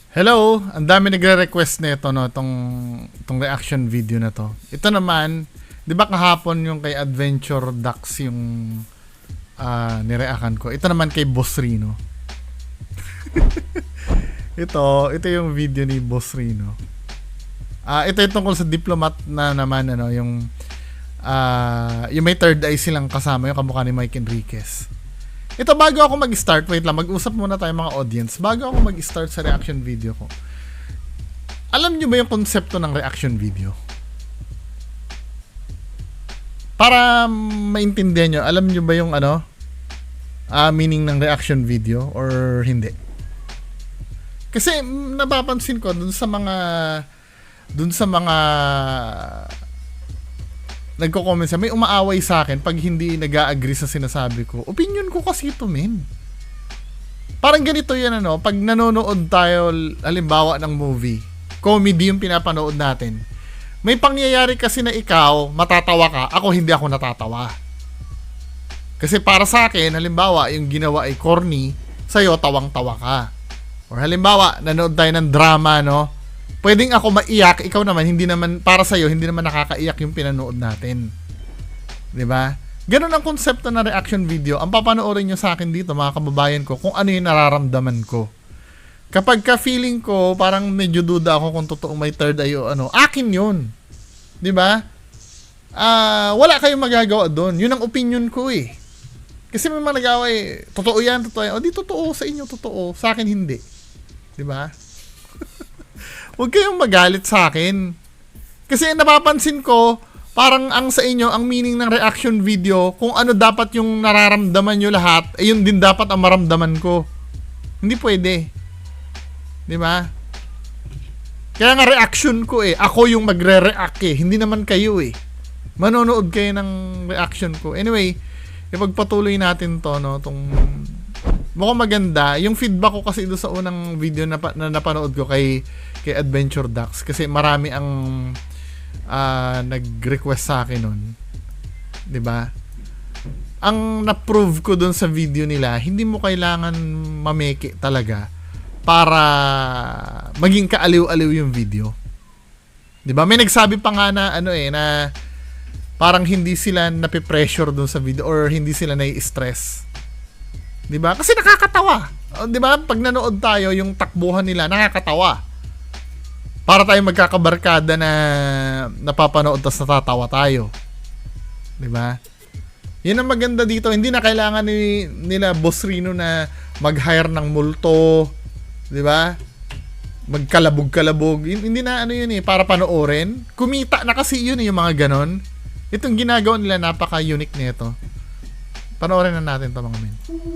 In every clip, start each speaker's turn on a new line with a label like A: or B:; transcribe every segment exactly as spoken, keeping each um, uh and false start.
A: Hello, ang dami nagre-request nito no, tong tong reaction video na to. Ito naman, 'di ba kahapon yung kay Adventure Ducks yung uh, nireakan ko. Ito naman kay Boss Rino. ito, ito yung video ni Boss Rino. Ah, uh, ito yung tungkol sa diplomat na naman ano, yung uh, yung may third eye silang kasama, yung kamukha ni Mike Enriquez. Ito, bago ako mag-start, wait lang, mag-usap muna tayo mga audience. Bago ako mag-start sa reaction video ko, alam nyo ba yung konsepto ng reaction video? Para maintindihan nyo, alam nyo ba yung ano, uh, meaning ng reaction video or hindi? Kasi napapansin ko dun sa mga dun sa mga nagko-comment siya, may umaaway sa akin pag hindi nag-a-agree sa sinasabi ko. Opinion ko kasi ito, men. Parang ganito yan, ano, pag nanonood tayo, halimbawa ng movie, comedy yung pinapanood natin, may pangyayari kasi na ikaw, matatawa ka, ako hindi ako natatawa. Kasi para sa akin, halimbawa, yung ginawa ay corny, sa'yo, tawang-tawa ka. Or halimbawa, nanood tayo ng drama, no? Pwedeng ako maiyak, ikaw naman, hindi naman, para sa'yo, hindi naman nakakaiyak yung pinanood natin. Diba? Ganun ang konsepto ng reaction video. Ang papanoorin nyo sa akin dito, mga kababayan ko, kung ano yung nararamdaman ko. Kapag ka-feeling ko, parang medyo duda ako kung totoong may third eye o ano, akin yun. Diba? Uh, wala kayong magagawa doon. Yun ang opinion ko eh. Kasi may mga nagawa eh, totoo yan, totoo yan. O di totoo, sa inyo totoo, sa akin hindi. Diba? Huwag kayong magalit sa akin. Kasi napapansin ko, parang ang sa inyo, ang meaning ng reaction video, kung ano dapat yung nararamdaman nyo lahat, eh yun din dapat ang maramdaman ko. Hindi pwede. Di ba? Kaya nga reaction ko eh. Ako yung magre-react eh. Hindi naman kayo eh. Manonood kayo ng reaction ko. Anyway, ipagpatuloy natin to, no? Tong mukhang maganda. Yung feedback ko kasi doon sa unang video na, na napanood ko kay kay Adventure Ducks, kasi marami ang uh, nag-request sa akin nun. 'Di ba? Ang na-prove ko doon sa video nila, hindi mo kailangan mameke talaga para maging kaaliw-aliw yung video. 'Di ba? May nagsabi pa nga na ano eh, na parang hindi sila nape-pressure doon sa video or hindi sila nai-stress. 'Di ba? Kasi nakakatawa. 'Di ba? Pag nanood tayo, yung takbuhan nila nakakatawa. Para tayo magkakabarkada na napapanood tas natatawa tayo. 'Di ba? 'Yun ang maganda dito, hindi na kailangan ni nila Boss Rino na mag-hire ng multo, 'di ba? Magkalabog-kalabog. Hindi na ano 'yun eh, para panoorin. Kumita na kasi 'yun eh, yung mga ganon. Itong ginagawa nila, napaka-unique nito. Panoorin na natin 'to, mga men.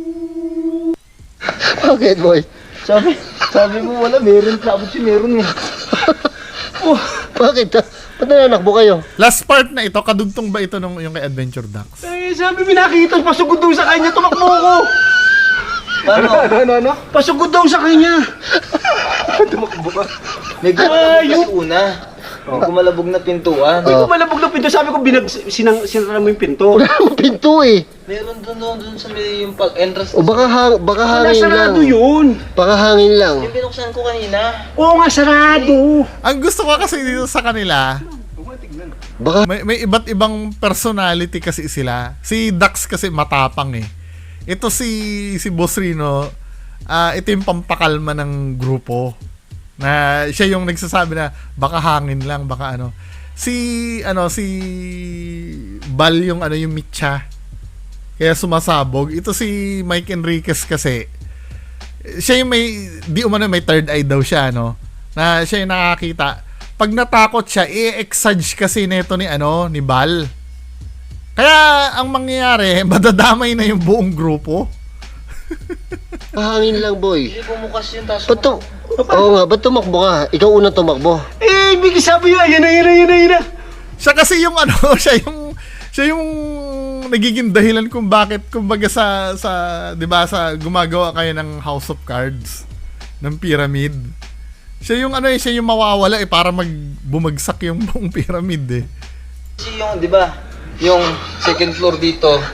B: Bakit, boy? Sabi, sabi mo wala, meron. Sabi si meron eh. Oh, bakit? Ba't nananakbo kayo?
A: Last part na ito, kadugtong ba ito nung yung kay Adventure Ducks?
C: Eh, sabi mo nakita, pasugod daw sa kanya, tumakbo ko.
B: Ano? Ano, ano, ano?
C: Pasugod daw sa kanya.
B: Tumakbo ka. May gumabog kasi una. Oh, kumalabog na pintuan.
C: Hindi ko malabog na pinto, sabi ko binag, sinang, sinara mo yung pinto.
B: Wala akong pinto eh. Meron doon doon doon sa may yung pag-entrance. O baka hang, baka hangin lang.
C: Sarado yun.
B: Baka hangin lang. Yung binuksan ko kanina.
C: Oo nga, sarado.
A: Ang gusto ko kasi dito sa kanila,
B: Baka
A: may, may iba't ibang personality kasi sila. Si Dax kasi matapang eh. Ito si si Boss Rino, uh, ito yung pampakalma ng grupo. Na siya yung nagsasabi na baka hangin lang, baka ano. Si ano si Bal yung ano yung Mitcha. Kaya sumasabog. Ito si Mike Enriquez kasi, siya yung may, di umano may third eye daw siya, no? Na siya yung nakakita. Pag natakot siya, i-exage kasi nito ni ano, ni Bal. Kaya ang mangyayari, madadamay na yung buong grupo.
B: hangin lang, boy.
D: Hindi bumukas yung taso.
B: Ba't to? Oo nga, ba't tumakbo ka? Ikaw unang tumakbo.
C: Eh, bigla sabi yun, yan na, yan na, yan na, yan na.
A: Siya kasi yung ano, siya yung siya yung nagiging dahilan kung bakit kumbaga sa sa 'di ba sa gumagawa kayo ng House of Cards ng pyramid. Siya yung ano eh, siya yung mawawala eh para magbumagsak yung buong pyramid eh.
D: Kasi yung, di ba, yung second floor dito,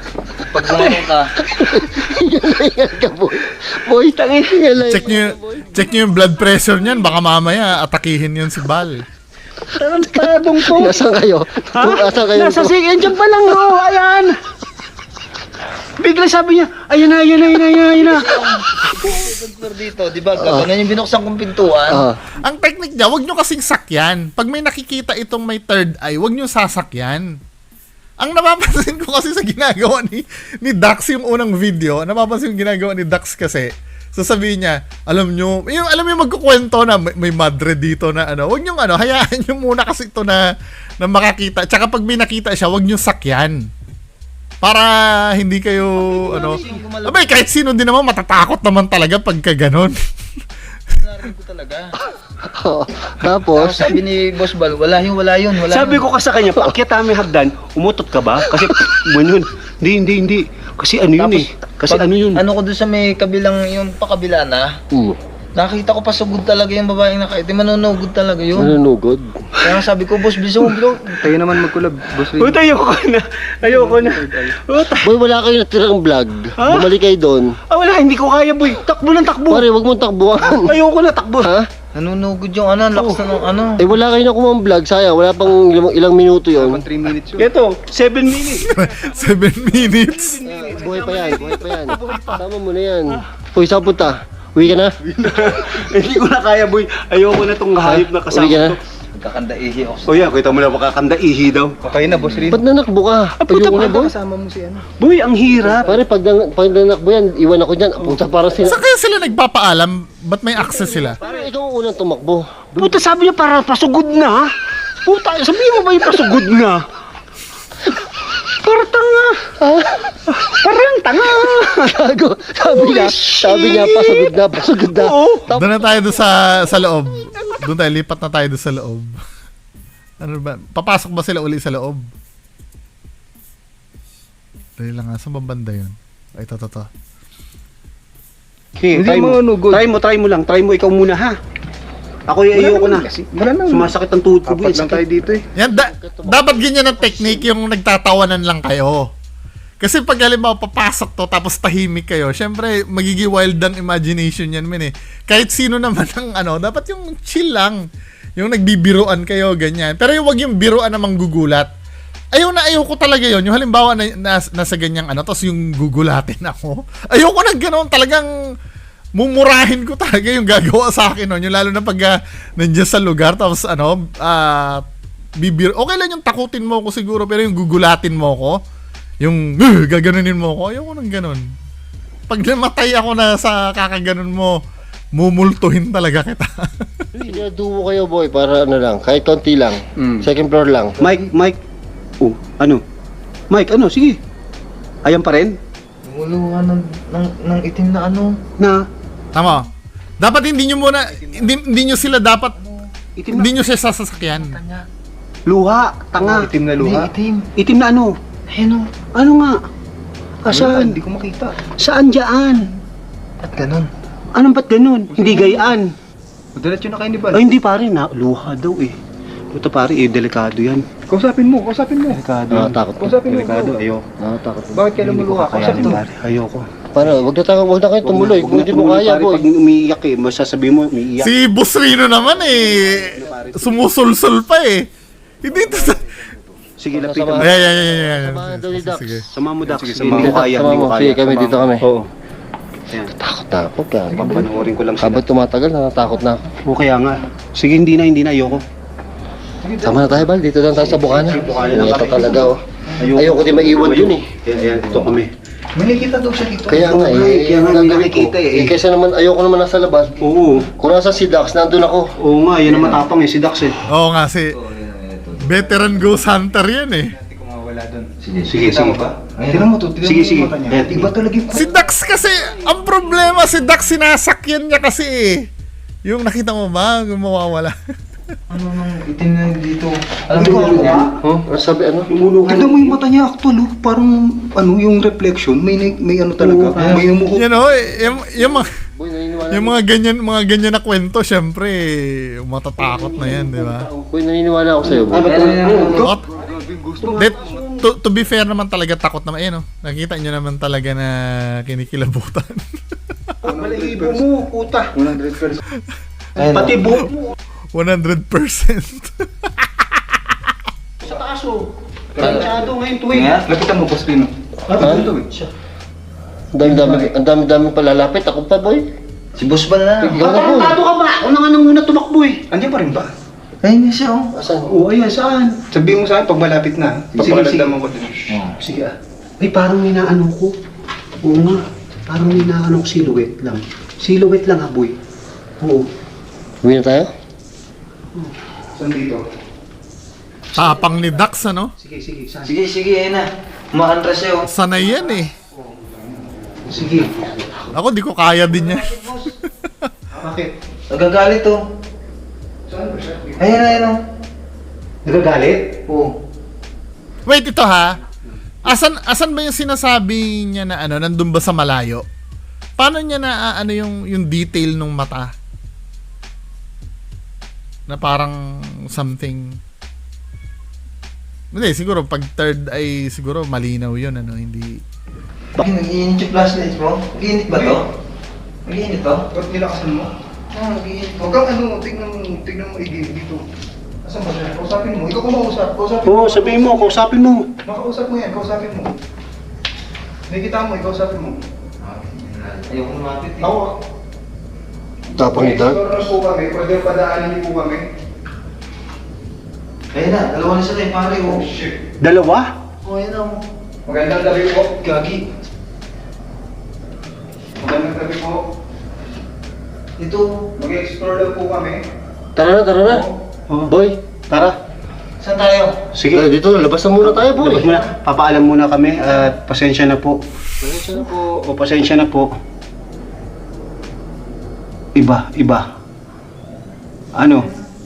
B: pag gumawa ka. Ingat ka, boy. Boy, tangin.
A: Check nyo, check nyo yung blood pressure niyan. Baka mamaya atakihin yun si Bal.
C: Tarantadong to.
B: Nasaan kayo?
C: Ha?
B: Nasaan kayo?
C: Nasa sig, andyan pa lang, oh, ayan. Bigla sabi niya, ayan na, ayan na, ayan na, ayan na.
B: Sensor dito, di ba? Gano'n yung binuksan kong pintuan.
D: Ah.
A: Ang technique niya, wag nyo kasing sakyan. Pag may nakikita itong may third eye, wag nyo sasakyan. Ang napapansin ko kasi sa ginagawa ni, ni Dax yung unang video, napapansin yung ginagawa ni Dax kasi, sasabihin niya, alam nyo, yung, alam mo yung magkukwento na may, may madre dito na ano, wag nyo ano, hayaan nyo muna kasi ito na, na makakita. Tsaka pag may nakita siya, wag nyo sakyan. Para hindi kayo, ano, abay, kahit sino din naman matatakot naman talaga pagka ganon.
B: Narinig ko talaga.
D: Oo.
B: Tapos,
D: Tapos,
B: sabi ni Boss Bal, wala yun, wala yun, wala
C: Sabi
B: yun.
C: ko kasi sa kanya, paakyat namin hagdan, umutot ka ba? Kasi, man yun. Hindi, hindi, hindi. Kasi ano yun
B: Tapos,
C: eh. Kasi
B: pag-
C: ano yun.
B: Ano ko doon sa may kabilang, yung pakabila na,
D: hmm,
B: nakita ko pa sugod talaga yung babaeng nakaitim, manunugod talaga yun.
D: nanunugod.
B: Kaya sabi ko, boss, bilis mo, bro.
E: Tayo naman magkulab, boss Rin.
C: Uy, ayoko na. Ayoko na. Uta.
D: Boy, wala kayo natirang vlog.
C: Ha?
D: Bumalik kayo doon.
C: Ah, wala, hindi ko kaya, boy. Takbo lang, takbo.
D: Pare, wag mong takbuhan.
C: Ayoko na, takbo.
D: Ha?
B: Nanunugod yung ano, lakas na ng ano.
D: Eh, wala kayo na kumang vlog. Sayang, wala pang ilang, ilang minuto yun.
E: three minutes yun.
C: Ito, seven minutes.
A: Seven minutes.
D: Buhay pa yan, buhay pa yan. Tama mo na yan. Boy, saan punta? Uwi ka na?
C: Hindi ko na kaya, boy. Ayoko na tong hayop na kasama
D: Uwi ka na?
C: to.
B: Magkakanda ihi ako.
C: O yan, kita mo na makakanda ihi daw.
E: Okay na, boss Rin.
D: Ba't nanakbo ka?
C: puta
D: Ayoko na,
C: pa.
D: boy.
E: Kasama mo si ano.
C: Boy, ang hirap.
D: Pare, pag, nan- pag nanakbo yan, iwan ako dyan. Puta, parang sila.
A: Saan kaya sila nagpapaalam? Ba't may access sila?
D: Pare, ikaw ang unang tumakbo.
C: Puta, sabi niya para pasugod na. Puta, sabihin mo ba yung pasugod na? Para tanga. Parang tanga.
D: Gago. Sabi niya, sabi niya, pasagod na, pasagod na.
C: Oo.
A: Doon na tayo doon sa, sa loob. Doon tayo, lipat na tayo doon sa loob. Ano ba? Papasok ba sila uli sa loob? Dali lang nga, saan ba banda yun? Ay, ito, ito, ito.
C: Okay,
E: Hindi
C: try mo.
E: mga nugod.
C: Try mo, try mo lang. Try mo ikaw muna, ha? Ako yung ayoko na.
E: Kasi, wala na.
C: Sumasakit ang tuhod ko, boy.
E: Apat lang tayo
C: Sakit.
E: dito eh.
A: Yan, da- dapat ganyan ang technique yung nagtatawanan lang kayo. Kasi pag halimbawa papasok to tapos tahimik kayo, syempre magiging wild ang imagination yan men eh. Kahit sino naman ang ano, dapat yung chill lang. Yung nagbibiruan kayo, ganyan. Pero yung wag yung biruan na manggugulat. Ayaw na ayaw ko talaga yon. Yung halimbawa na, nas, nasa ganyang ano, tapos yung gugulatin ako. Ayaw ko na ganoon, talagang mumurahin ko talaga yung gagawa sa akin nun. Yung lalo na pag uh, nandiyan sa lugar, tapos ano, ah, bibir, okay lang yung takutin mo ko siguro, pero yung gugulatin mo ko, yung uh, gaganunin mo ko, ayaw ko nang ganun. Pag namatay ako na sa kakaganon mo, mumultuhin talaga kita.
D: Sinadumo kayo, boy, para ano lang, kahit konti lang.
E: Mm.
D: Second floor lang.
C: Mike, Mike. Oh, ano? Mike, ano? Sige. Ayan pa rin?
B: Lumuluha ng, ng, ng itim na ano.
C: Na,
A: Tama. Dapat hindi nyo muna, hindi, hindi nyo sila dapat,
C: itim na.
A: hindi nyo siya sasakyan.
B: Kanya.
C: Luha, tanga.
E: Itim na
B: Hindi,
E: luha.
B: itim.
C: Itim na ano?
B: Ayun o.
C: Ano nga?
E: Saan?
C: Saan?
E: Hindi ko makita.
C: Saan dyan?
B: At ganun.
C: Anong ba't ganun? Hindi gayaan.
E: Madalat yun na kayo ni Bal.
C: Ay, hindi pare na. Luha daw eh. Ito pare eh, delikado yan.
E: Kausapin mo, kausapin mo.
C: Delikado.
D: Nakatakot ko.
E: Kausapin mo.
C: Delikado,
E: bro.
C: ayoko.
D: Nakatakot ko.
E: Bakit kailan mo luha?
C: Kakayanin
E: Kausapin mo.
C: pare, ayoko.
D: Paano? Wag na tayo, wag na kayo tumuloy. Kung hindi mo kaya, boy.
C: Pag umiiyak eh, masasabi mo, umiiyak.
A: Si Boss Rino naman eh, sumusulsul pa eh. Hindi ito sa...
C: Sige, lapitan mo.
A: Ay, ay, ay, ay, ay, ay.
D: Samahan daw ni Dax.
A: Sige.
C: Sama mo, Dax.
E: Sige,
C: Sige,
E: sama
C: hindi
E: mo.
C: ko kaya,
D: Sama
C: hindi ko
D: mo.
C: kaya.
D: Sige, kami dito kami.
C: Oo. Ayan.
D: Takot na ako, gago.
C: Papanoorin ko lang sila.
D: Habang tumatagal, natatakot na ako.
C: O kaya nga. Sige, hindi na, hindi na, ayoko.
D: Sama na tayo, Bal. Dito lang tayo sa Bukana.
C: Bukana lang
D: Ito
C: kami.
D: talaga, oh.
C: Ayoko.
D: Ayoko din maiwan yun eh.
C: Ayan, ayan, ito kami.
E: May nakita daw siya dito.
D: Kaya nga eh,
C: Kaya nga, may
D: gagawin ko.
C: nakikita eh.
D: Eh, kaysa naman, ayoko naman nasa labas.
C: Oo.
D: Kung nasa si Dax, nandun ako.
C: Oo nga, yan ang matapang eh, si Dax eh.
A: Oo nga, si veteran ghost hunter yan eh.
E: Hindi ko mawala doon.
C: Sige, sige, sige.
E: Tignan mo to, tignan
C: Sige,
E: mo
C: sige.
E: yung mata niya.
C: Ayan.
E: Iba talaga yung...
A: Si Dax kasi, ang problema, si Dax sinasakyan niya kasi eh. Yung nakita mo ba, yung mawawala.
B: Ano nang itim na dito? Alam
E: Hindi
B: mo
E: ko
B: yung
E: alam.
D: Huh? Ano sabi, ano?
E: Tignan mo yung mata niya actual, oh. Parang ano yung reflection, may may ano talaga,
C: Oo.
E: may umuho.
A: You know, eh, yung, yung, mga,
D: Boy, naniniwala
A: yung mga ganyan, mga ganyan na kwento, syempre, matatakot na yan, di ba?
D: Boy, naniniwala ako sa'yo, boy.
C: Ah, ba't
A: Ot, det, to, to be fair naman talaga, takot naman. Ayan, oh. Nakita nyo naman talaga na kinikilabutan.
C: Balahibo mo, puta.
E: one hundred percent.
C: Pati buhok mo.
A: one hundred percent.
C: Sa taas oh. Masyado ngayon tuwing.
E: Nga, lapitan mo, Boss Pino.
D: Ha? Ang dami-dami, ang dami-dami palalapit. Ako pa, boy.
B: Si Boss ba na?
D: Ikaw na, boy.
C: Patarantado ka ba? Ako na nga nang muna tumakbo eh.
E: Andiyan pa rin ba?
B: Ayun nga siya, oh.
D: Asan?
C: Oo, ayan, saan?
E: Sabihin mo sa akin pag malapit na.
C: Sige, sige.
E: Papakalagdaman ko din.
C: Sige ah. Ay, parang inaano ko. Oo nga. Parang inaano ko silhouette lang. Silhouette lang ha, boy. Oo.
D: Uwi na tayo?
E: Saan dito?
A: Tapang ni Dax, ano?
C: Sige, sige, saan?
B: Sige, sige, ayun na. Umakantras siya, oh.
A: Sanay yan eh.
C: Sige.
A: Ako, di ko kaya din yan.
C: Bakit?
B: Nagagalit, oh.
E: Saan ba siya?
B: Ayun, ayun, oh.
C: Nagagalit?
B: Oo.
A: Wait, ito ha. Asan asan ba yung sinasabi niya na ano, nandun ba sa malayo? Paano niya na ah, ano yung yung detail ng mata? Na parang something. Hindi, siguro pag third ay siguro malinaw yun, ano, hindi.
B: Bakit nag-iinit yung flashlights mo? Nag-iinit ba to? Nag-iinit to?
E: Ba't nilakasan mo?
B: Oo, nag-iinit to.
E: Huwag kang ano, tignan mo, tignan mo igi dito. Asan ba siya? Kausapin mo. Ikaw kumausap. Kausapin
C: Oo, sabihin mo, kausapin mo.
E: Makausap mo yan, kausapin mo. Nakikita mo, ikausapin mo.
B: Ayoko lumapit, eh.
E: Ako.
D: Tapang ni Dark?
E: Explore na po kami. Pwede padaanin niyo po kami.
B: Ayun na, dalawa na sila, eh, pare, oh.
E: Shit.
C: Dalawa?
B: Oh, ayun na, oh.
E: Magandang gabi po.
B: Gagi.
E: Magandang gabi po.
B: Ito.
E: Mag-explore lang po kami.
D: Tara na, tara na.
C: Oo.
D: Boy, tara.
B: Saan tayo?
C: Sige.
D: Eh, dito, labas na muna tayo, boy.
C: Labas muna. Papaalam muna kami at pasensya na po.
D: Pasensya na po.
C: O pasensya na po. Iba, iba. Ano?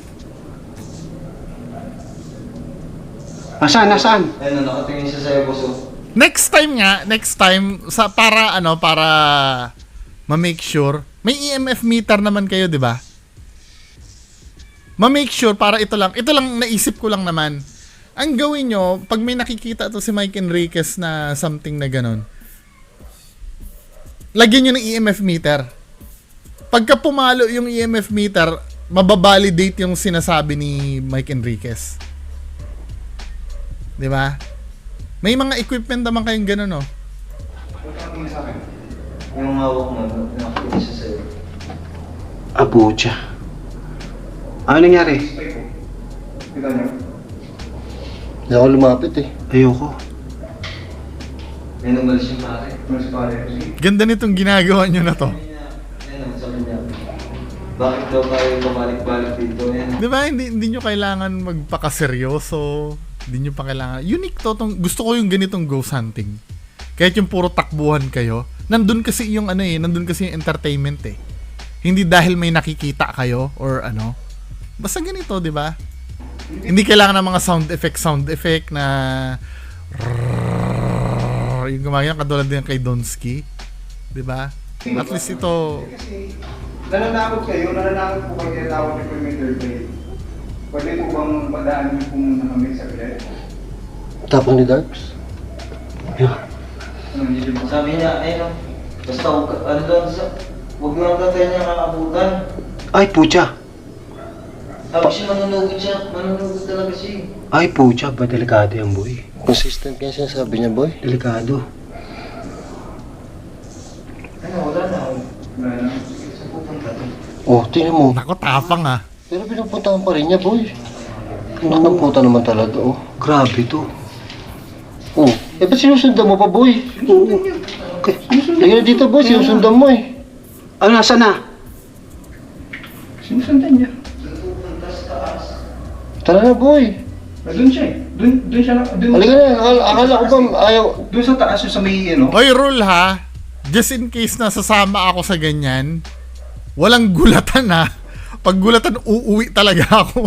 C: Nasaan, nasaan?
B: Ayun na, nakatingin siya sa'yo, boss, oh.
A: Next time nga, next time sa para ano, para ma-make sure, may E M F meter naman kayo, 'di ba? Ma-make sure para ito lang, ito lang naisip ko lang naman. Ang gawin nyo, pag may nakikita to si Mike Enriquez na something na ganon, lagyan nyo ng E M F meter. Pagka pumalo yung E M F meter, mababalidate yung sinasabi ni Mike Enriquez. Di ba? May mga equipment naman kayong gano'n, no?
E: Tingin sa akin.
B: Yung hawak mo, nakatingin siya sa'yo.
C: Abuja. Ano nangyari?
E: Stay po. Kita niyo?
D: Hindi ako lumapit eh.
C: Ayoko.
B: Ayun, umalis yung pare.
E: Mas pare. Sige.
A: Ganda nitong ginagawa nyo na to.
B: Ayun naman sa kanya. Bakit daw kayo pabalik-balik dito? Ayun.
A: Di ba? Hindi, hindi nyo kailangan magpakaseryoso. Hindi nyo pa kailangan. Unique to. Tong, gusto ko yung ganitong ghost hunting. Kahit yung puro takbuhan kayo. Nandun kasi yung ano eh. Nandun kasi yung entertainment eh. Hindi dahil may nakikita kayo or ano. Basta ganito, di ba? Hindi kailangan ng mga sound effect, sound effect na yung gumagana katulad din kay Donsky. Di ba? At least ito,
E: Kasi nananakot kayo, nananakot po kayo tinatawag niyo po yung interplay. Pwede po bang padaan niyo po muna kami sa bilet?
D: Tapang ni Darks?
E: Ano niyo yung
B: Sabi niya, ayun, oh. Basta huwag ka- ano daw sa... Huwag mo lang tatay niya kakabutan.
C: Ay, pucha.
B: Sabi siya, manunugod siya. Manunugod talaga siya.
C: Ay, pucha. Ba delikado yan, boy?
D: Consistent kaya sinasabi niya, boy.
C: Delikado.
B: Ano, wala na.
E: Wala na.
B: Sa pupunta to.
D: Oh, tingnan mo.
A: nako tapang ah.
D: Pero pinupuntahan pa rin niya, boy. Nakakputa naman talaga, oh.
C: Grabe to.
D: Oh, eh ba't sinusundan mo pa, boy?
C: Oo. Okay.
D: Lagyan na dito, boy. Sinusundan mo eh.
C: Ano, nasaan na?
E: Sinusundan niya.
B: Pupunta sa taas.
D: Tara na, boy.
E: Doon siya eh. Doon, doon siya na. Doon,
D: Halika na. Akala, akala ko ba ayaw...
E: doon sa taas yung sa may ano.
A: Hoy, rule ha. Just in case na sasama ako sa ganyan, walang gulatan ha. Pag gulatan, uuwi talaga ako.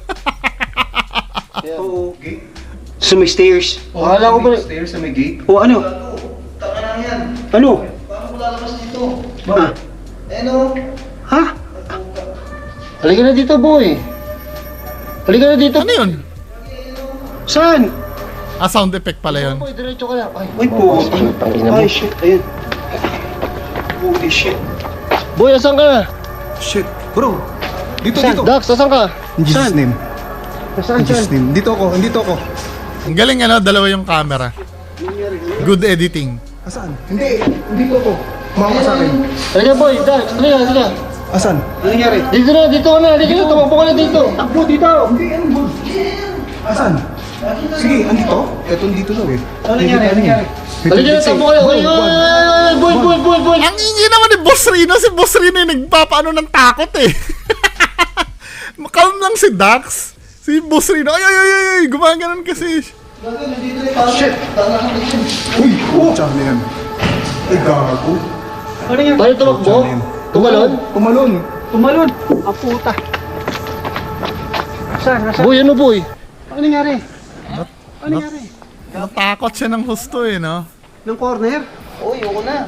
C: Oo.
E: Gate.
C: Sa may stairs.
D: Akala ko ba...
E: Stairs sa may gate.
C: O ano?
B: Taka lang yan.
C: Ano?
B: Paano ko lalabas dito?
C: Ah.
B: Ayun, oh.
C: Ha?
D: Halika na dito, boy. Halika na dito.
A: Ano yun?
C: Saan?
A: Ah, sound effect pala yun.
D: Boy, diretso ka lang. Ay,
C: Uy, po.
D: tangina mo.
C: Ay, shit. Ayun. Holy shit.
D: Boy, asan ka?
E: Shit. Bro, dito,
D: Saan?
E: dito.
D: Dax, asan ka?
E: In Jesus name.
D: Nasaan
E: In Jesus name. Dito ako, dito ako.
A: Ang galing ano, dalawa yung camera. Good editing.
E: Asan? Hindi, dito ako. Mama sa akin.
D: Halika boy, Dax, halika, halika.
E: Asan?
C: Ano nangyari?
D: Dito na, dito ka na, halika na, tumakbo ka na dito.
C: Takbo dito.
E: Hindi, ano ba? Asan? Sige, andito? Eto, dito daw eh.
C: Ano nangyari? Ano nangyari?
D: Halika na, takbo ka na. Ay, ay, ay, boy, boy, boy, boy.
A: Ang ingay naman ni Boss Rino. Si Boss Rino yung nagpapaano ng takot eh. Calm lang si Dax. Si Boss Rino, ay, ay, ay, ay, gumaganon kasi.
E: Shit! Uy! Oh! Tsaka na yan. Ay, gago.
C: Ano nangyari?
D: Paano tumakbo? Tumalon?
E: Pumalon.
C: Tumalon. Ang puta. Saan? Nasaan?
D: Boy, ano boy?
C: Ano nangyari? Ano nangyari?
A: Natakot siya ng husto eh, no?
C: Ng corner?
B: Uy, ako na.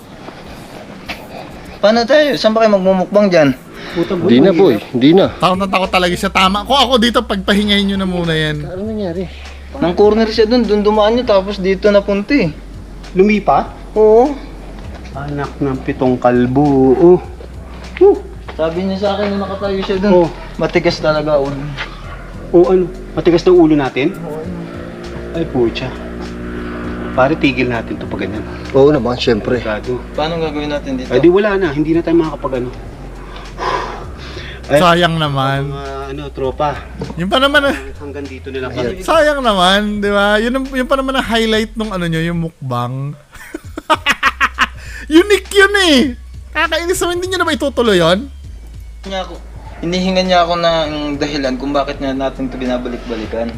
B: Paano tayo? Saan ba kayo magmumukbang dyan?
C: Puta
D: Hindi na boy, hindi na.
A: Takot na takot talaga siya. Tama. Kung ako dito, pagpahingayin nyo na muna yan.
D: Ano nangyari?
B: Nang corner siya dun, dun dumaan nyo, tapos dito napunta eh.
C: Lumipa?
B: Oo.
C: Anak ng pitong kalbo. Oh. Oh.
B: Sabi niya sa akin na nakatayo siya dun.
C: Oh.
B: Matigas talaga ulo.
C: O ano? Matigas ng ulo natin? Ay pucha. Pare tigil natin to pag ganyan.
D: Oo naman, syempre.
C: Gado.
B: Paano gagawin natin dito?
C: Ay di wala na, hindi na tayo makakapag ano. Ay,
A: Sayang naman.
C: mga ano, tropa.
A: Yung pa naman, ah,
C: Hanggang dito na lang kami.
A: sayang naman, di ba? Yun, ang- yun pa naman ang highlight nung ano nyo, yung mukbang. Unique yun eh. Kakainis naman, hindi nyo na ba itutuloy yun?
B: Niya ako. Hinihingan niya ako ng dahilan kung bakit niya natin ito binabalik-balikan.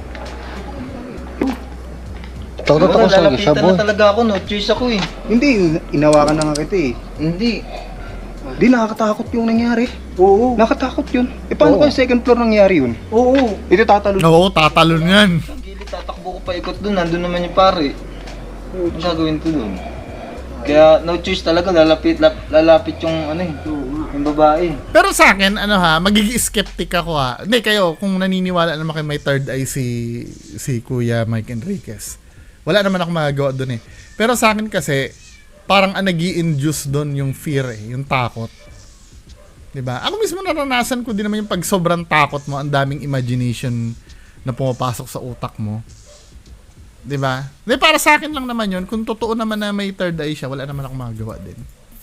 D: Takot ako sa lagi siya
B: lalapitan
D: boy.
B: na talaga ako, no choice ako eh.
E: Hindi, inawakan na nga kita eh.
B: Hindi.
E: Hindi, nakakatakot yung nangyari.
C: Oo.
E: Nakatakot yun. Eh, paano
C: Oo.
E: kung second floor nangyari yun?
C: Oo.
E: Ito tatalo.
A: Oo, tatalon yan.
B: Ang gilid, tatakbo ko pa ikot dun, nandun naman yung pare. Ano gagawin ko dun? Kaya no choice talaga, lalapit, lap, lalapit yung ano eh, yung babae.
A: Pero sa akin, ano ha, magiging skeptic ako ha. Hindi, kayo, kung naniniwala naman kayo may third eye si, si Kuya Mike Enriquez. Wala naman ako magagawa doon eh. Pero sa akin kasi, parang ang nag-i-induce doon yung fear eh, yung takot. Diba? Ako mismo naranasan ko din naman yung pag sobrang takot mo, ang daming imagination na pumapasok sa utak mo. Diba? Di, para sa akin lang naman yun, kung totoo naman na may third eye siya, wala naman ako magagawa din.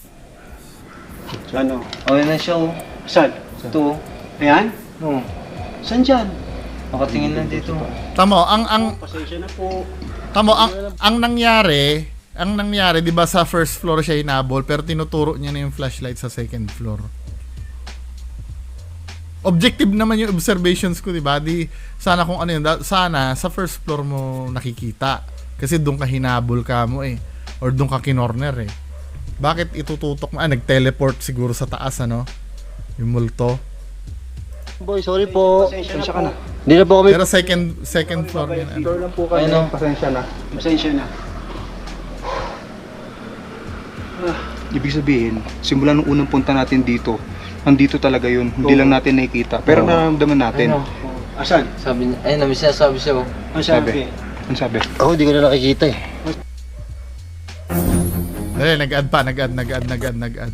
C: Ano?
B: Okay na siya oh.
C: Saan?
B: Ito
C: Ayan?
B: oh.
C: Saan dyan?
B: Nakatingin lang dito.
A: Tamo, ang ang
C: Pasensya na po.
A: tamo ang ang nangyari, ang nangyari, 'di ba sa first floor siya hinabol pero tinuturo niya na yung flashlight sa second floor. Objective naman yung observations ko, 'di ba? Di sana kung ano yun, da- sana sa first floor mo nakikita kasi doon ka hinabol ka mo eh or doon ka kinorner eh. Bakit itututok mo? Ah, nag-teleport siguro sa taas ano? Yung multo.
D: Boy, sorry po.
C: Pasensya ka na.
D: Hindi na po kami.
A: Pero second second floor yun. Ano?
E: Door lang po kayo.
B: Ayun, oh.
E: Pasensya na.
C: Pasensya na.
E: Ibig sabihin, simula nung unang punta natin dito, nandito talaga yun. Hindi lang natin nakikita. Pero nararamdaman natin.
B: Ayun, oh.
C: Asan?
B: Sabi niya, ayun, may sinasabi siya oh.
C: Ang
E: Sabi.
C: sabi?
E: Ano sabi?
D: Ako hindi ko na nakikita eh.
A: Dali, nag-add pa, nag-add, nag-add, nag-add, nag-add.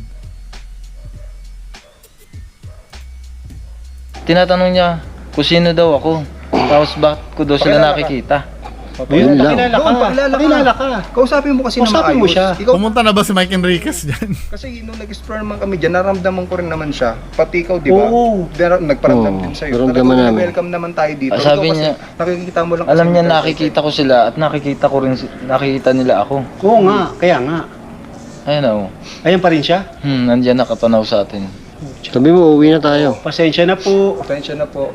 B: Tinatanong niya kung sino daw ako. Tapos bakit ko daw sila
E: Pakilala ka.
B: nakikita.
D: Yun lang.
C: Pakilala ka.
E: Doon, pakilala ka.
C: Pakilala ka.
E: Kausapin mo kasi
C: Kausapin
E: na
C: mo
E: maayos.
C: siya.
E: Ikaw,
A: Pumunta na ba si Mike Enriquez dyan?
E: kasi nung nag-explore naman kami dyan, naramdaman ko rin naman siya. Pati ikaw, di ba?
C: Oo.
E: Dara- Nagparamdam
D: Oo,
E: din sa'yo.
D: naramdaman
E: Talagang
D: namin.
E: welcome naman tayo dito.
B: Ah, sabi
E: Ikaw kasi,
B: niya-
E: nakikita mo lang
B: Alam
E: kasi
B: niya
E: yung
B: nakikita ko sila at nakikita ko rin si- nakikita nila ako.
C: Oo nga, kaya nga.
B: Ayun oh.
C: Ayan pa rin siya.
B: Hmm, nandiyan nakatanaw sa atin.
D: Sabi mo, uwi na tayo.
C: Pasensya na po.
E: Pasensya na po.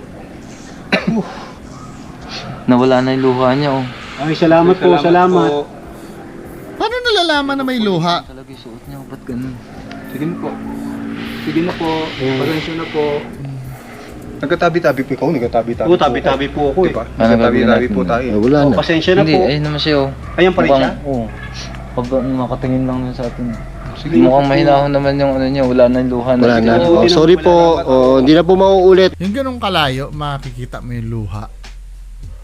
B: Nawala na yung luha niya oh.
C: Ay, salamat, po, salamat.
E: po.
A: Paano nalalaman na may luha?
B: Talaga yung suot niya, ba't ganun?
E: Sige na po. Sige na po. Pasensya na po. Nagkatabi-tabi po ikaw, nagkatabi-tabi
C: Oo, tabi-tabi po ako eh.
E: Diba?
B: Ano gagawin
E: Nagkatabi-tabi
B: natin?
E: po tayo.
D: Eh, wala
C: Oh,
D: na.
C: pasensya na
B: Hindi,
C: po.
B: ayun naman siya oh.
C: Ayan pa rin
B: Mukhang-
C: siya?
B: Oo. Pag makatingin lang nun sa atin.
E: Sige.
B: Mukhang mahinahon naman yung ano niya, wala na yung luha na.
D: Wala na.
C: Oo,
D: Oh,
C: hindi
D: sorry
C: na-
D: po. Oh, hindi na po mauulit.
A: Yung ganong kalayo, makikita mo yung luha.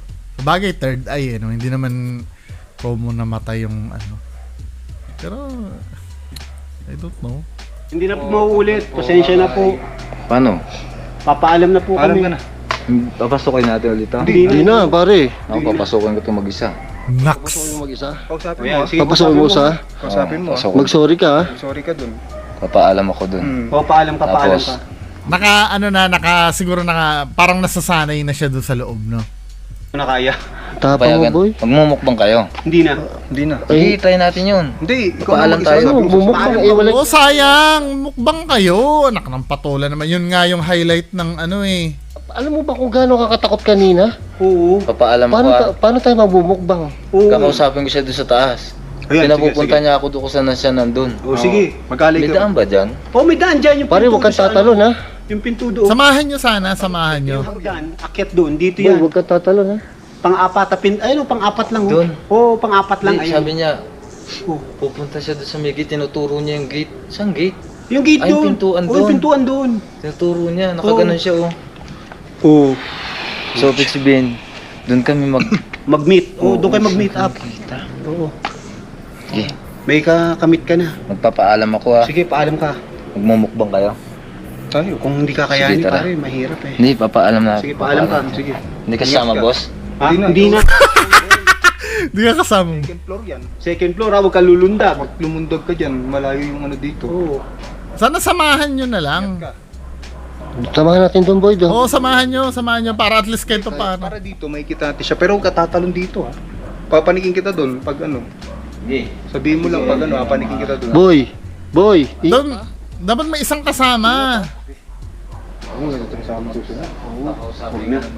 A: Bagay third eye eh, no? Hindi naman promo namatay yung ano. Pero I don't know.
C: Hindi na po mauulit. Pasensya na po.
B: Paano?
C: Papaalam na po
E: Alam
C: kami.
E: ka na.
B: Papasukin natin ulit ha?
C: Hindi
D: Hindi na, pare.
B: Ako, papasukin ko ito mag-isa.
A: Nax.
D: Papasukin mo mag-isa.
E: Kausapin
C: Ayan,
E: mo. ah.
C: sige,
D: Papasukin mo sa...
E: Kausapin mo. ah.
B: Pasok.
D: Mag-sorry ka, ha?
E: Sorry ka dun.
B: Papaalam ako dun.
E: Hmm.
C: O, paalam ka, paalam
B: Tapos,
C: ka.
A: Naka ano na, naka siguro naka parang nasasanay na siya doon sa loob, no?
C: Ano na kaya?
D: Tapang mo,
B: payagan.
D: boy.
B: Magmumukbang kayo.
C: Hindi na.
E: Hindi na.
B: Sige, try natin yun.
E: Hindi. Ikaw
B: Papaalam
E: na
B: tayo.
E: mag-isa.
D: Ano, bumukbang, eh, wala...
A: Oh, sayang. Mukbang kayo. Anak ng patola naman. Yun nga yung highlight ng ano eh.
D: Alam mo ba kung gaano kakatakot kanina?
C: Oo.
B: Papaalam
D: Paano,
B: ko
D: ta-
B: ha.
D: paano tayo mabumukbang?
C: Oo.
B: Kakausapin ko siya doon sa taas.
E: Ayan,
B: Pinapupunta
E: sige,
B: niya ako doon kung saan na siya nandun.
C: O, sige. Magkalay
B: May
C: ka.
B: daan ba dyan?
C: O, may daan dyan. Yung
D: Pare,
C: pinto
D: huwag kang
C: doon sa
D: tatalon, ha?
C: ano, Yung pinto doon.
A: Samahan nyo sana, samahan nyo.
C: Yung hagdan, akyat doon. Dito
D: Boy,
C: yan.
D: huwag kang tatalon, ha?
C: Pang-apat. Pin... Ayun, oh, pang-apat lang.
B: Doon.
C: Oo, pang-apat lang.
B: Hindi,
C: Ayun.
B: sabi niya,
C: Oh.
B: pupunta siya doon sa may gate, tinuturo niya yung gate. Saan gate?
C: Yung gate
B: Ay, yung
C: doon.
B: pintuan
C: Oo,
B: doon.
C: yung pintuan doon.
B: Tinuturo niya, nakaganon siya oh.
C: Oo.
B: So, ibig sabihin, doon kami mag...
C: Mag-meet. Oo, doon kayo mag-meet up.
B: Kita.
C: Oo.
B: Sige,
C: May kakamit ka na.
B: magpapaalam ako ha.
C: Sige, paalam ka.
B: Magmumukbang kayo.
E: Tayo.
C: Kung hindi kakayanin,
B: Sige, tara.
C: pare, mahirap eh.
B: Hindi, papaalam na.
C: Sige, paalam ka.
B: papaalam.
C: Sige.
B: Hindi ka sama,
E: Ingat ka.
B: boss?
C: Ha?
E: Hindi na.
C: Hindi na.
A: Di ka kasama.
E: Second floor yan.
C: Second floor, ha? Huwag ka lulundag.
E: Pag lumundag ka dyan, malayo yung ano dito.
C: Oo.
A: Sana samahan nyo na lang.
D: Samahan natin doon, boy, doon.
A: Oo, samahan nyo, samahan nyo para at least kahit pa paano.
E: Para dito, may kita natin siya. Pero huwag ka tatalon dito ha. Papanikin kita doon pag ano.
B: Sige.
E: Sabihin mo lang pag ano, papanikin kita doon.
D: Boy, boy. i-
A: Doon, dapat may isang kasama.
E: Oo, ito na sa mga susunod.
B: Huwag na.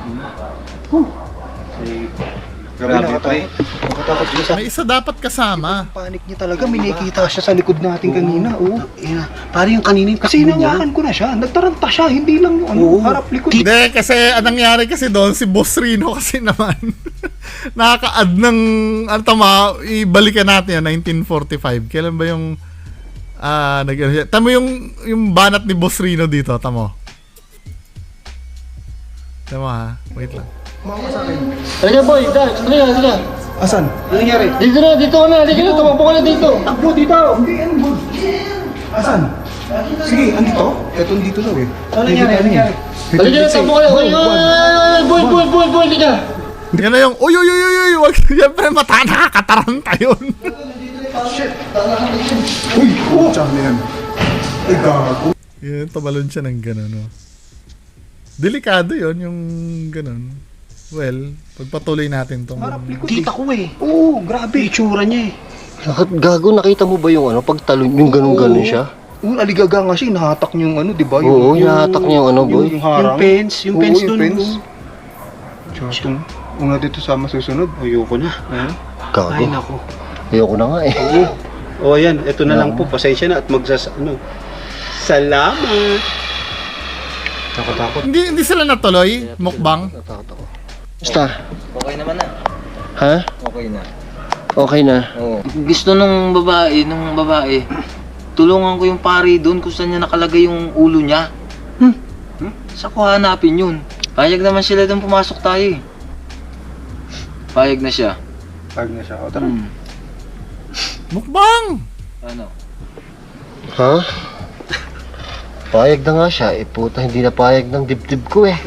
E: Grabe, nakatawa. Nakatakot siya sa
A: May isa dapat kasama.
E: panik niya talaga. May nakikita siya sa likod natin kanina. Oo.
C: Ina, pare yung kanina yung
E: Kasi
C: takbo niya.
E: hinawakan ko na siya. Nagtaranta siya. Hindi lang yung ano,
C: Oo.
E: harap likod.
A: Hindi, kasi anong nangyari kasi doon, si Boss Rino kasi naman, nakaka-add ng, ano tama, ibalikan natin yun, nineteen forty-five. Kailan ba yung, ah, nag ano siya? Tamo yung, yung banat ni Boss Rino dito, tamo. Tamo ha, wait lang.
D: Halika, boy. Dax, halika, halika.
E: Asan?
C: Ano nangyari?
D: Dito na, dito ka na. Halika na, tumakbo ka na dito.
E: Takbo dito! Hindi, ano ba? Asan? Sige, andito? Eto dito daw eh.
C: Ano nangyari? Ano nangyari?
D: Halika na, takbo ka na. Oy, oy, oy, boy, boy, boy, boy, halika.
A: Yan na yung, uy, uy, uy, uy, uy, wag, siyempre mata, nakakataranta yun.
E: Uy! Oh! Tsaka na yan. Ay, gago.
A: Yun, tumalon siya ng gano'n, no. Delikado yun, yung gano'n. Well, pagpatuloy natin tong...
E: Harap likod eh.
C: Kita ko eh.
E: Oo, grabe.
C: Itsura niya eh.
D: Nakat gago, nakita mo ba yung ano, pagtalon, yung ganun-ganun siya?
E: Oo, aligaga nga siya. Nahatak niya yung ano, di ba?
D: Oo, nahatak niya yung ano, boy.
E: Yung, harang.
C: Yung fence, yung
E: Oo,
C: fence
E: yung
C: dun.
E: fence. Tsaka, una dito sa masusunod.
C: Ayoko na.
E: Ayun.
D: Gago.
C: Ay, nako.
D: Ayoko na nga eh.
C: O ayan, ito na lang po. Pasensya na at magsas... Ano. Salamat. Nakatakot.
A: Hindi, hindi sila natuloy, mukbang.
D: Natakot ako. Basta,
B: Okay naman na.
D: ha?
B: Okay na.
D: Okay na.
B: Oo. Gusto nung babae, nung babae, tulungan ko yung pare doon kung saan niya nakalagay yung ulo niya. Hmm? Sa ko hanapin yun? Payag naman sila doon pumasok tayo eh. Payag na siya.
E: Pag na siya. O, tara.
B: Hmm.
A: Mukbang!
B: Ano?
D: Ha? Payag na nga siya. Eh puta, hindi na payag ng dibdib ko eh.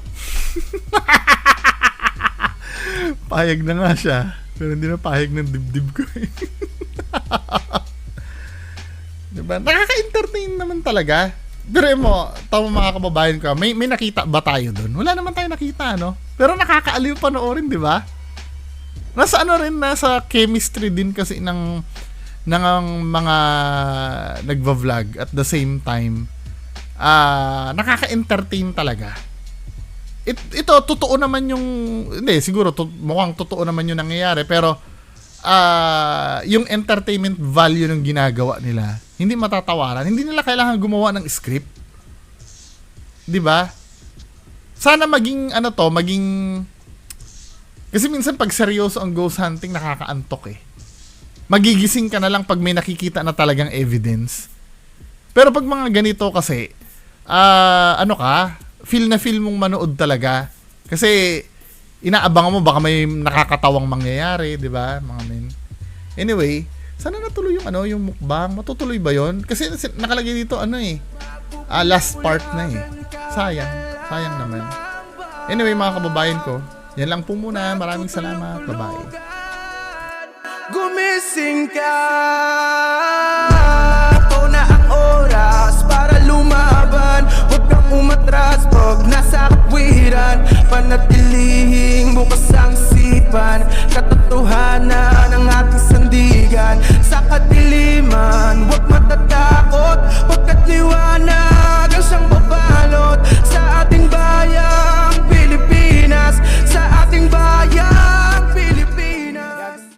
A: Payag na nga siya. Pero hindi na payag ng dibdib ko eh. Diba? Nakaka-entertain naman talaga. Pero mo, tama mga kababayan ko, may, may nakita ba tayo doon? Wala naman tayo nakita, no? Pero nakakaaliw panoorin, di ba? Nasa ano rin, nasa chemistry din kasi ng, ng mga nagva-vlog at the same time, ah nakaka-entertain talaga. It, ito, totoo naman yung, hindi, siguro, to, mukhang totoo naman yung nangyayari, pero, ah yung entertainment value ng ginagawa nila, hindi matatawaran. Hindi nila kailangan gumawa ng script. 'Di ba? Sana maging ano to, maging kasi minsan pag seryoso ang ghost hunting nakakaantok eh. Magigising ka na lang pag may nakikita na talagang evidence. Pero pag mga ganito kasi, ah ano ka, feel na feel mong manood talaga. Kasi inaabangan mo baka may nakakatawang mangyayari, 'di ba, mga men? Anyway, sana natuloy yung ano, yung mukbang. Matutuloy ba 'yon? Kasi nakalagay dito ano eh. Ah, last part na eh. Sayang, sayang naman. Anyway, mga kababayan ko, yan lang po muna. Maraming salamat. Bye-bye.
F: Gumising ka, ito na ang oras para lumaban. Huwag kang umatras pag nasa katwiran. Panatili